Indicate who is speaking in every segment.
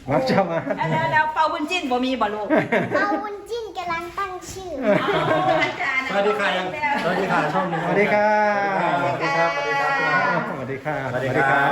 Speaker 1: มาเจ้ามา
Speaker 2: แล้วเปาบุญจิ้นบ่มีบ่ลูก
Speaker 3: เอาวุ้นจิ้นกำลังตั้งชื่อ
Speaker 4: สวัสดีค่ะยังสวัสดีค่ะช่องนี้
Speaker 1: สวัสดีค่ะ
Speaker 4: สวัสดีครับสวัสดีครับ
Speaker 1: สวัสดีค่ะ
Speaker 4: สวัสดีครับ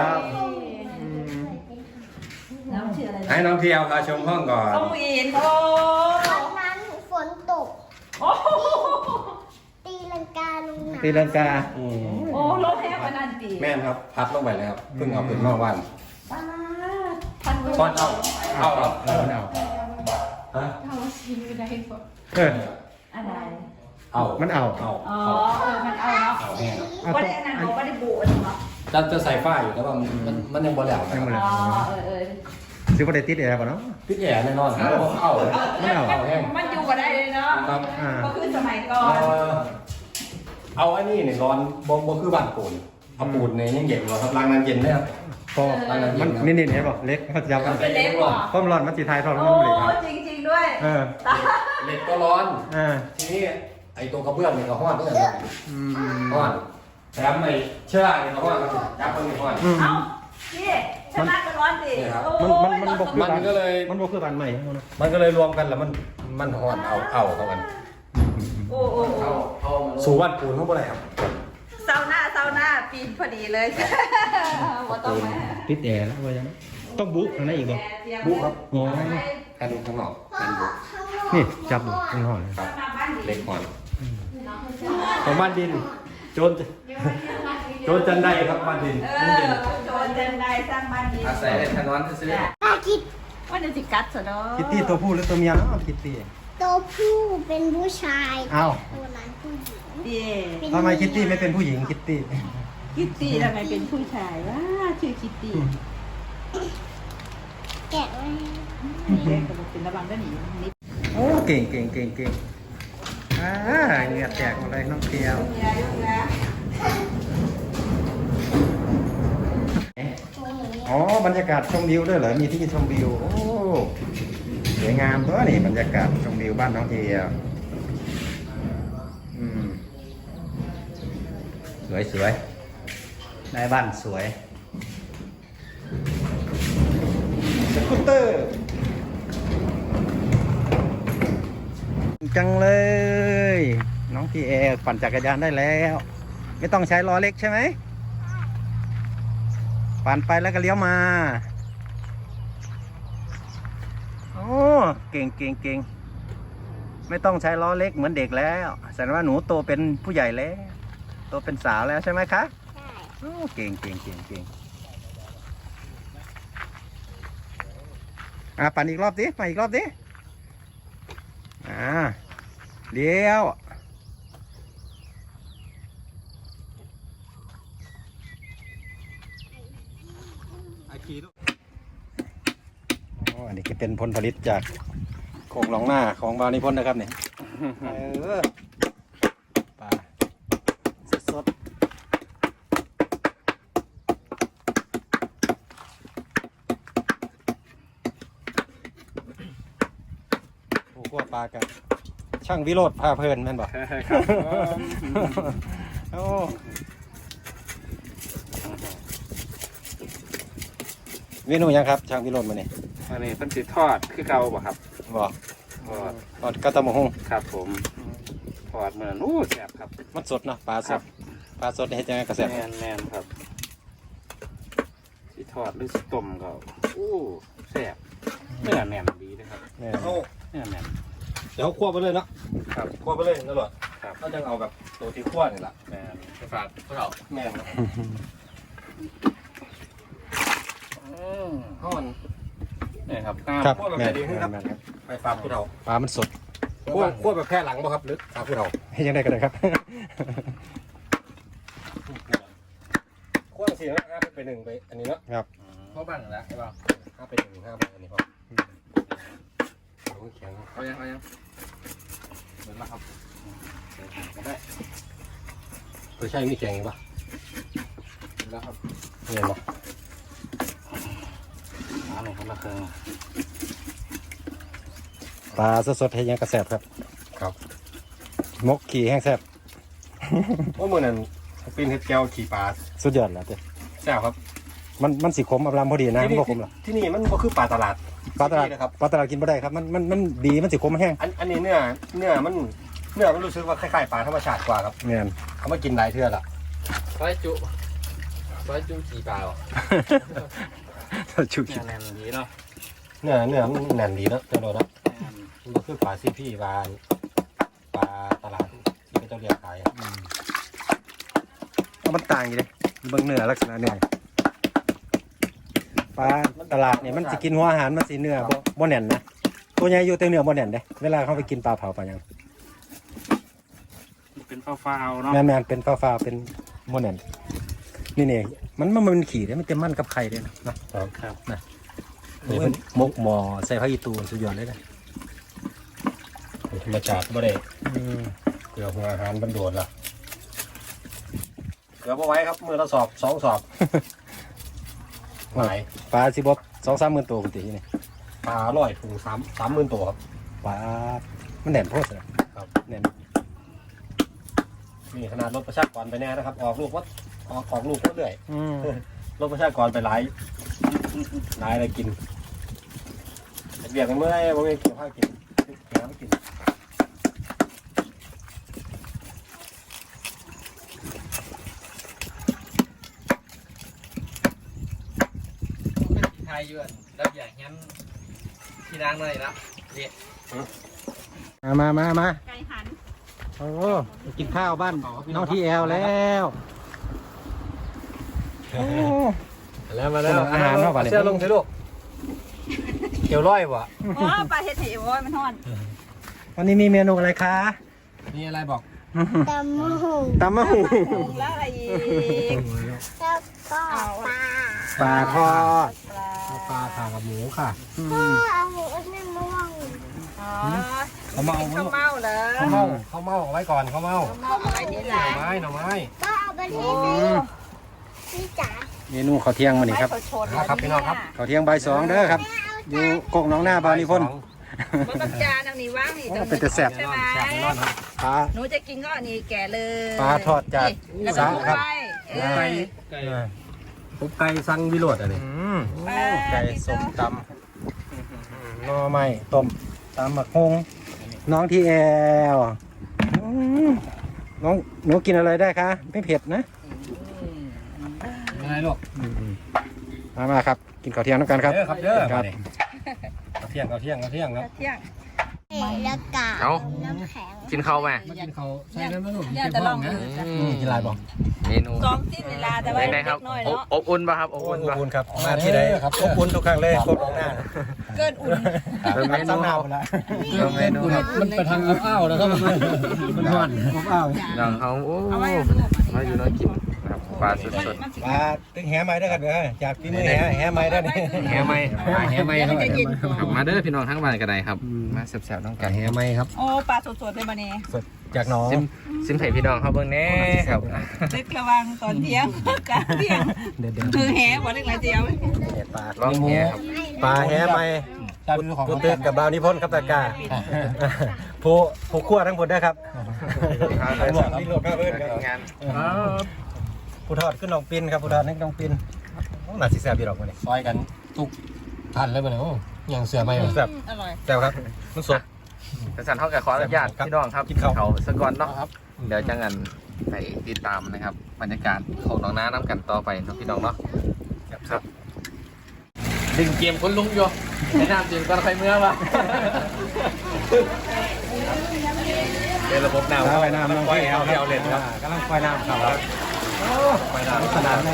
Speaker 2: น้องชื่ออะไร
Speaker 4: ให้น้องเที่ยวพาชมห้องก่อน
Speaker 2: ต้องอินโอ้
Speaker 3: วันนั้นฝนตก
Speaker 2: โอ้
Speaker 3: ตีลังกาลงน้ำ
Speaker 1: ตีลังกา
Speaker 2: โอ้รถแท้ขนาดตี
Speaker 4: แม่นครับพัดลงไปเลยครับเพิ่งเอาขึ้นนอกวัน
Speaker 2: ป้าพัน
Speaker 4: ก้อนเอาเอา
Speaker 1: มันเอา
Speaker 4: ฮะ
Speaker 2: เท่าชิมอยู่ได้บ่
Speaker 1: เออ
Speaker 2: อะไร
Speaker 4: เอา
Speaker 1: มันเอา
Speaker 4: เอา
Speaker 2: อ๋อมันเอาเนาะ
Speaker 4: เอาแห้งครับ
Speaker 1: เอา
Speaker 2: บ่
Speaker 1: ต้
Speaker 2: ได้
Speaker 1: อง
Speaker 2: อันนั้นบ่ได้บูดเนาะ
Speaker 4: จะใส่ฝ้าอยู่แต่ว่ามันยังบ่แล้วนะ
Speaker 1: ยังบ่
Speaker 4: ค
Speaker 1: แล้
Speaker 4: รับ
Speaker 2: อ๋อ
Speaker 1: ซื้อประเดี๋ยวติดแอร์ป่ะเนาะ
Speaker 4: พี่แย่แน่นอนครับเอา
Speaker 1: ไม่เอา
Speaker 4: เอาแห้ง
Speaker 2: มันอยู่บ่ได้เลยเนาะ
Speaker 4: ครับ
Speaker 2: ก็คือสมัยก่อน
Speaker 4: เอาอันนี้เนี่ยร้อนบ่คือบ้านปูนเอาปูนเนี่ยยังเย็นอยู่ครับล้างน้ำเย็นได้ครับ
Speaker 1: ก็มันนี่เห็นป่ะเล็กเขาจะยับมัน
Speaker 2: เป็นเล็กกว่า
Speaker 1: ต้มร้อนมันสีไทยทอด
Speaker 2: โอ้
Speaker 1: มันเล็กครับ
Speaker 2: จริงๆด้วย
Speaker 1: เออ
Speaker 4: เหล็กก็ร้อน
Speaker 1: อ่า
Speaker 4: ทีนี้ไอ้ตัวกระเบื้องเนี่ยก็ห้อนด้วยครับ
Speaker 1: อืม
Speaker 4: ห้อนแถมไอ้เชื้อเนี่ยก็ห้อนครับจับมันไม่ห้อน
Speaker 1: อืม
Speaker 2: เอ้าพี่ชนะก็ร้อนสิ
Speaker 4: นี่ครับ
Speaker 1: มันบกคือ
Speaker 4: มันก็เลย
Speaker 1: มันบกคือบ้านใหม่เนาะ
Speaker 4: มันก็เลยรวมกันแล้วมันห้อนเอาเข้ากัน
Speaker 2: โอ้โอ้โอ้
Speaker 4: สู่บ้านปูนเขาบ่ได้ครับ
Speaker 2: เซาหน้าปีนพอดีเลยว่าต้องมา
Speaker 1: ติดแอร์แล้วว่ายังต้องบุ๊กอะไรอีกบ่
Speaker 4: บุครับ
Speaker 1: โอ้
Speaker 4: แอนข้างนอกแอนบุ
Speaker 1: นี่จับข้างนอกเลย
Speaker 4: ครับเล็กห้อนของบ้านดินโจรจันได้ครับบ้านดิน
Speaker 2: โจรเดินได้สร้างบ้านดี
Speaker 4: อาศัยในถนนซื้อ
Speaker 3: อาคิด
Speaker 2: ว่าจะสิกัดซะเนาะ
Speaker 1: คิตตี้ตัวผู้หรือตัวเมียเนาะคิตตี้
Speaker 3: ตัวผู้เป็นผู้ชาย
Speaker 1: อ้าว
Speaker 3: ตัวนั้นผู้หญิง
Speaker 2: ดี
Speaker 1: ทำไมคิตตี้ไม่เป็นผู้หญิงคิตตี้
Speaker 2: คิตตี้ทำไมเป็นผู้ชายว่าชื่อคิตตี้
Speaker 3: แกะไว้
Speaker 2: เป็นระวังก็หนีนิด
Speaker 1: โอ้เก่งเหงื่อแตกหมดเลยน้องเทียว
Speaker 2: ยายนะ
Speaker 3: ตัวนี้
Speaker 1: อ๋อบรรยากาศชมวิวด้วยเหรอมีที่ชมวิวโอ้สวยงามตัวนี่บรรยากาศชมวิวบ้านน้องเทียวอืมสวยได้บ้านสวยสกูตเตอร์จังเลย น้องพีเอปั่นจักรยานได้แล้ว ไม่ต้องใช้ล้อเล็กใช่ไหมปั่นไปแล้วก็เลี้ยวมาโอ้เก่งไม่ต้องใช้ล้อเล็กเหมือนเด็กแล้วแสดงว่าหนูโตเป็นผู้ใหญ่แล้วโตเป็นสาวแล้วใช่ไหมคะ
Speaker 3: ใช่
Speaker 1: โอ้เก่งปั่นอีกรอบดิปั่นอีกรอบดิเลี้ยวอันนี้ก็เป็นผลผลิตจากโครงหลองหน้าของบาวนิพนธ์นะครับเนี่ยปลาสดโอ้ขั้วปลากันช่างวิโรธพาเพลินแม่นบอกโอ้เมนูยังครับช่างวิโรธมาเนี่ย
Speaker 5: อันนี้เพิ่นสิทอดคือเก่าบ่ครับ
Speaker 1: บอก
Speaker 5: ทอด
Speaker 1: ทอดกระตะมะฮง
Speaker 5: ครับผมทอดเหมือนอู้แซ่บครับ
Speaker 1: มันสดเนาะปลาส
Speaker 5: ครั
Speaker 1: ด
Speaker 5: บ
Speaker 1: ปลาสดนี่เฮ็ดยังไงกระแสบ
Speaker 5: แม่นครับสิทอดหรือสิต้มก็อู้แซ่บเนื้อแน่นดีเลยครับ
Speaker 1: เนี่ย
Speaker 4: เอา
Speaker 5: เนื้อแน่น
Speaker 4: เดี๋ยวคั่วไปเลยเนาะ
Speaker 5: ครับ
Speaker 4: คั่วไปเลยตลอด
Speaker 5: ครับ
Speaker 4: ก็จะเอาแบบตัวที่คั่วนี่แหละ
Speaker 5: แม่น
Speaker 4: ไปฝากพวกเราแม่ครับ ห้อน
Speaker 5: นี่ครับ
Speaker 1: ครับ
Speaker 4: คั่วแบบ
Speaker 1: แม่
Speaker 4: ไหนดีครับ
Speaker 1: แม่ครับ
Speaker 4: ไปฝากพวกเรา
Speaker 1: ปลามันสด
Speaker 4: คั่วแบบแค่หลังบ่ครับหรือฝากพวกเรา
Speaker 1: ให้ยังได้ก็ได้ครับ
Speaker 4: คั่วเสียง5ไป1ไปอันนี้เนาะ
Speaker 1: ครับ
Speaker 5: เข้าบ้านแล้วใช่ป่ะ
Speaker 4: 5ไป1 5ไปอันนี้พอแข็ง
Speaker 5: เอายังเหมือนแล้วครับก็ได้
Speaker 4: ตัวใช่มีแข็งปะ
Speaker 5: แล้วครับ
Speaker 4: เห็นปะ
Speaker 5: อันนี้คนละเครื่อง
Speaker 1: ปลาสดๆให้ยังกระแสบครับ
Speaker 4: ครับ
Speaker 1: มกขี่แห้งแซ่บ
Speaker 4: ว่ามือนั้นเป็นเห็ดแก้วขี่ปลา
Speaker 1: สุดยอดแล้วเจ้
Speaker 4: แซ่บครับมันสิขมอำลำพอดีนะมันบ่ขมหรอกที่นี่มันก็คือปลาตลาดปลาตลาดนะครับปลาตลาดกินบ่ได้ครับมันดีมันสิขมแห้งอันนี้เนื้อมันรู้สึกว่าคล้ายๆปลาธรรมชาติกว่าครับแม่นเขามากินหลายเทื่อละซอยจุกี่ปลาจุกี่
Speaker 5: แน่นดีเนาะ
Speaker 4: เนื้อมันแน่นดีเนาะเจ้าโดนเนาะมันก็คือปลาซีพี่ปลาตลาดที่เขาเรียกขายมันต่างอยู่เลยเบิ่งเนื้อลักษณะเนื้อปลาตลาดเนี่ยมันจะกินหัวอาหารมันสิเนื้อบ่แน่นนะตัวใหญ่อยู่แต่เนื้อบ่แน่นเด้เวลาเขาไปกินปลาเผาปลาหยัง
Speaker 5: เป็นฟ้าวๆเนาะ
Speaker 4: แม่นเป็นฟ้าเป็นบ่แน่นนี่มันขี่ได้มันเต็มมันกับไข่เลยนะครับนะนี่เป็นมกหมอใส่ผักอีตูสุดยอดเลยนะธรรมชาติบ่ได้เกลือหัวอาหารมันโดดล่ะเกลือบ่ไว้ครับมือละสอบ2 สอบหลายปลาสิบ่ 2-3 หมื่นตัวปกตินี่ปลา100 ถุง3 หมื่นตัวครับปลามันแน่นโพดครับแน่นนี่ขนาดลดประชากรไปแน่นะครับออกลูกเรื่อยลดประชากรไปหลายอะไรกินเบียกกันเมื่อไรบ่มีเกี่ยวข้าวกินน้ำกิน
Speaker 5: ไทยยวนแล้วอย่างงั้นที่ล้างเลยนะเด็ด
Speaker 4: มา
Speaker 2: ไก่หัน
Speaker 4: โอ้กินข้าวบ้านน้องที่แอลแล้วมาแล้วอาหารเนาะป่ะเนี่ยเชื่อลงเถอะลูกเกี่ยวร้อยวะ
Speaker 2: อ๋อปลาเห็ดเหวโอ้ยมันทอด
Speaker 4: วันนี้มีเมนูอะไรคะ
Speaker 5: นี่อะไรบอก
Speaker 3: ตำมะหู
Speaker 2: แล้วอะไรอีก
Speaker 3: แล้วก็ปลา
Speaker 4: ปลาทอด
Speaker 2: ปลา
Speaker 4: ข่ากับหมูค่ะ
Speaker 3: พ่อเอาหมูนั่นมาว่าง
Speaker 2: อ๋อ
Speaker 4: เขาเมา
Speaker 2: ข้าวเมาเหรอ
Speaker 4: เขาเมาเอาไว้ก่อนเขาเมา
Speaker 2: ข้าวเมาอะไรนี่แหละ
Speaker 4: หน่อไม้
Speaker 3: ก็เอาไปที่นี่จ๋า
Speaker 4: เมนูข้าวเที่ยงมานี่ครับ
Speaker 2: ไม่สดๆ
Speaker 4: ครับพี่น้องครับข้าวเที่ยงบ่าย 2เด้อครับอยู่กกน้องหน้าบาวนิพนธ์
Speaker 2: บนต้นจานเอานี่ว่างนี่ตรง
Speaker 4: เป็นแต่แซ่บ
Speaker 2: ใช่ไหม
Speaker 4: ปลา
Speaker 2: หนูจะกินก็อันนี้แก่เลย
Speaker 4: ปลาทอดจาก
Speaker 2: แล้วก็
Speaker 4: สาครับ
Speaker 2: ไก่
Speaker 4: ปุ๊บไก่สั่งวิโรจน์อันนี้ไก่ส้มตำหน่อไม้ต้มตำหมักฮงน้องที่แอลน้องหนูกินอะไรได้คะไม่เผ็ดนะ
Speaker 5: อะไรลูก
Speaker 4: มาครับกินข้าวเที่ยงน้ำกันครับ
Speaker 5: ครับเด้อ
Speaker 4: ครับข้าวเที่ยงครับ
Speaker 2: เที่ยง
Speaker 3: แล้วก็
Speaker 5: เอา
Speaker 3: น้ำแข็ง
Speaker 5: กินข้าวไหม
Speaker 4: มากินข้าวใส่น้ำมันลูก
Speaker 2: เนี่ยจะลองดู
Speaker 4: กินอะไรบ้าง
Speaker 5: เมนู
Speaker 2: ซ้อมสิ้นเวลาแต่ว่า
Speaker 5: เป็นไง
Speaker 2: เด็
Speaker 5: ครับ
Speaker 2: กน้อยเนาะ
Speaker 5: อบอุ่นป่ะครับอบ
Speaker 4: อบ
Speaker 5: อุ่นป่ะ
Speaker 4: อุ่นครับมาที่ไหนครับอบอุ่นทุกครั้งเลยโคตรหน้า
Speaker 2: เกินอุ่น
Speaker 5: เป็นเมนู
Speaker 4: ซ้ำหน้าไปละ
Speaker 5: เป็นเมนูครับ
Speaker 4: มันไปทางอ้าวนะครับมันห่อนอ้าว
Speaker 5: น้องเขาโอ้
Speaker 2: เอาไว้
Speaker 5: มาอยู่น้อยกินนะครับปลาสด
Speaker 4: ปลาตึงแหไม้ด้วยกันเด้อจากฝีมือแหไม้ด้วยนี่
Speaker 5: ๆแหไหมแหไหมครับมาเด้อพี่น้องทั้งบ้านกันได้ครับมาแซ่บๆต้องกัน
Speaker 4: แหไม้ครับ
Speaker 2: โอ้ปลาสดๆเลยมาเนี่ย
Speaker 4: สดจากหนอง
Speaker 5: ซิมไผ่พี่น้องเขาเบิ่งแน่ครับ
Speaker 2: เล็กระวังตอนเที่ยงกลางเที่ยง
Speaker 4: เด็ด
Speaker 2: คือแหบ่เล็กไรเดียว
Speaker 4: ปลา
Speaker 5: ลองแหครับ
Speaker 4: ปลาแหไม้ผู้ตื่นกับบาวนิพนธ์ครับตากาผู้ขั้วทั้งหมดได้ครับทั้งหมดที่รวมข้าวเพื่อนครับ
Speaker 5: งาน
Speaker 4: ผู้ทอดขึ้นน้องปินครับผู้ทอดนี่น้องปินหนาสีแซ่บดีหรอกมันนี่ซอยกันทุกทันเลยมันนี่อย่างเสือไม่แซ่บ
Speaker 2: อร่อย
Speaker 4: แซ่บครับมันสด
Speaker 5: กระสันเท่ากับขออนุญาตพี่น้องครับ
Speaker 4: กินข้าว
Speaker 5: เขาสะก่อนเนาะเดี๋ยวจะงันไปติดตามนะครับบรรยากาศของน้องน้าน้ำกันต่อไปเนาะพี่น้องเนาะครับดึงเกมคนลุงอยู่แนะนำดึงก่อนใครเมื่อวะเป็นระบบน้ำ
Speaker 4: ไปน้ำน้องพี่เอาเล่นครับกำลังไฟน้ำครับไฟน้ำสนามเลย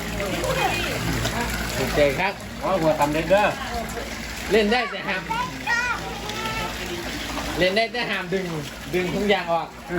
Speaker 5: ถูกใจครับ
Speaker 4: ว่าหัวตำเด็ดเด้อ
Speaker 5: เล่นได้แต่ห้ามเล่นได้แต่ห้ามดึงทุกอย่างออก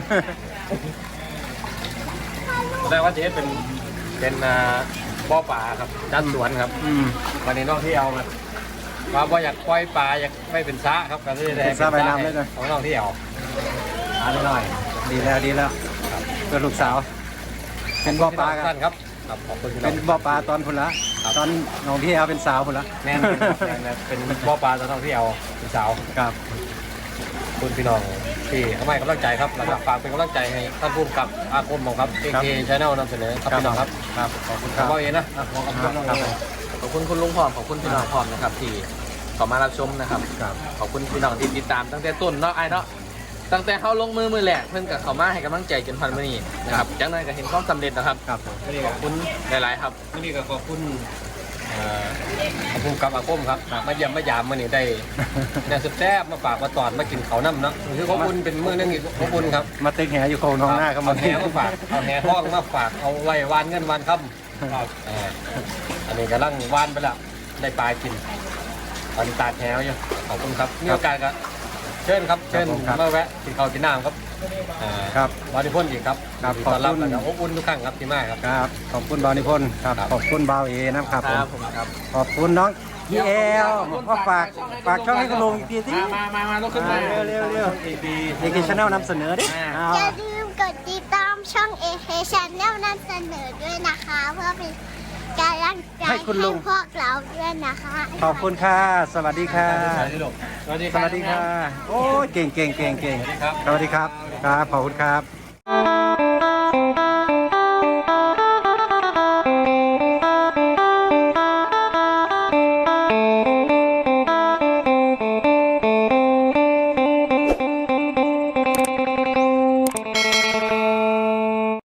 Speaker 4: ได้ว่าเจ๊เป็นบ่อป่าครับด้านสวนครับวันนี้น้องที่เอามาบ่อยากปล่อยปลาอยากไม่เป็นซะครับก็เลยได้เป็นน้ำเลยนะของน้องที่เอาอันหน่อยดีแล้วเพื่อลูกสาวเป็นบ่อปลากันครับขอบคุณเป็นบ่อปลาตอนพุ่นละตอนน้องที่เอาเป็นสาวพุ่นละแน่นเป็นบ่อปลาตอนน้องที่เอาเป็นสาวครับคุณพี่น้องที่ให้กำลังใจครับแล้วก็ฝากเป็นกำลังใจให้ท่านผู้กำกับอาคมของครับ KK Channel นำเสนอครับพี่น้องครับ
Speaker 1: ครับขอบคุณค
Speaker 4: ครั
Speaker 1: รั
Speaker 4: บบ พ่อเองนะขอบคุณน้อง
Speaker 1: ครับ
Speaker 5: ขอบคุณคุณลุงพร้อมขอบคุณพี่น้องพร้อมนะครับที่เข้ามารับชมนะครับ
Speaker 1: ครับ
Speaker 5: ขอบคุณพี่น้องที่ติดตามตั้งแต่ต้นเนาะไอ้เนาะตั้งแต่เขาลงมือแหลกเพื่อนกับเขามาให้กำลังใจจนพันมื้อนี้นะครับจากนั้นก็เห็นความสำเร็จนะครับ
Speaker 1: ครับผม
Speaker 4: นี่
Speaker 5: ขอบคุณหลายๆครับ
Speaker 4: นี่ก็ขอบคุณขอบคุณกับอาคมครับมาเยี่ยมมายามมานี่ได้ได้แซ่บๆมาฝากมาตอนมากินเขาวน้ำเนาะคือขอบคุณเป็นมื้อนึงอีกขอบคุณครับ
Speaker 1: มาติ๊กแหอยู่โคนท้องหน้าครับ
Speaker 4: เอาแหมาฝากเอาแหห้องมาฝากเอาไว้วานเงินวานค่ำครับอันนี้กำลังวานไปละได้ปลากินตอนนี้ตาแหอยู่ขอบคุณครับมีโอกาสก็เชิญครับเชิญมาแวะกินข้าวกินน้ำครับ
Speaker 1: ครับ
Speaker 4: บริพนธ์อีกครับ
Speaker 1: ครับ
Speaker 4: ขอบ
Speaker 1: ขอบคุ
Speaker 4: คุณ
Speaker 1: ณ
Speaker 4: แล้วก็อบอุ่นทุกครั้งครับที่มาครับ
Speaker 1: ครับขอบคุณบาวนิพนธ์ครับขอบคุณบาวเอนะครับ
Speaker 5: ค
Speaker 1: ผม
Speaker 5: รับผมครับ
Speaker 1: ขอบคุณน้องพี่เอลก็ฝากช่องให้คุณลุงอีกทีสิ
Speaker 5: มาลุกขึ้นมา
Speaker 1: เร็วเด็กชาแนลนำเสนอดิเอา
Speaker 3: อย่าลืมกดติดตามช่อง AK Channel นำเสนอด้วยนะคะ เพื่อเป็นกำลังใจให้พวกเราด้วยนะคะ
Speaker 1: ขอบคุณค่ะสวัสดีค่ะ
Speaker 4: สวัสดี
Speaker 1: สวัสดีค่ะโอ้ยเก่ง
Speaker 4: ครับ
Speaker 1: สวัสดีครับครับขอบคุณครับ